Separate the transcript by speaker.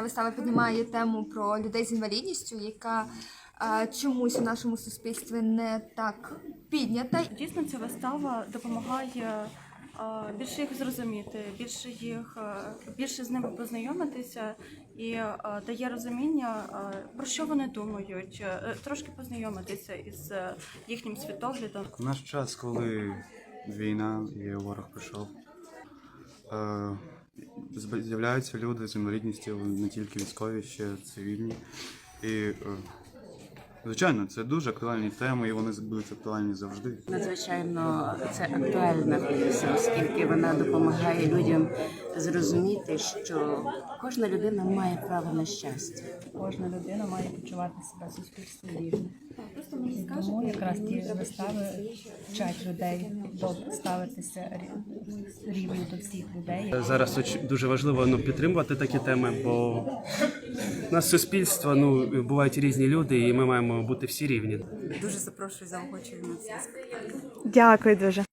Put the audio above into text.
Speaker 1: вистава піднімає тему про людей з інвалідністю, яка чомусь у нашому суспільстві не так піднята.
Speaker 2: Дійсно, ця вистава допомагає більше їх зрозуміти, більше з ними познайомитися і дає розуміння, про що вони думають, трошки познайомитися із їхнім світоглядом.
Speaker 3: В наш час, коли війна і ворог прийшов, з'являються люди з інвалідністю, не тільки військові, ще цивільні. І, звичайно, це дуже актуальні теми, і вони будуть актуальні завжди.
Speaker 4: Надзвичайно це актуальна п'єса, оскільки вона допомагає людям зрозуміти, що кожна людина має право на щастя.
Speaker 5: Кожна людина має почувати себе в суспільстві рівно. Тому якраз ті вистави вчать людей ставитися рівно до всіх людей.
Speaker 6: Зараз дуже важливо підтримувати такі теми, бо у нас суспільство, бувають різні люди, і ми маємо бути всі рівні.
Speaker 7: Дуже запрошую, заохочую на цей спектакль.
Speaker 8: Дякую дуже.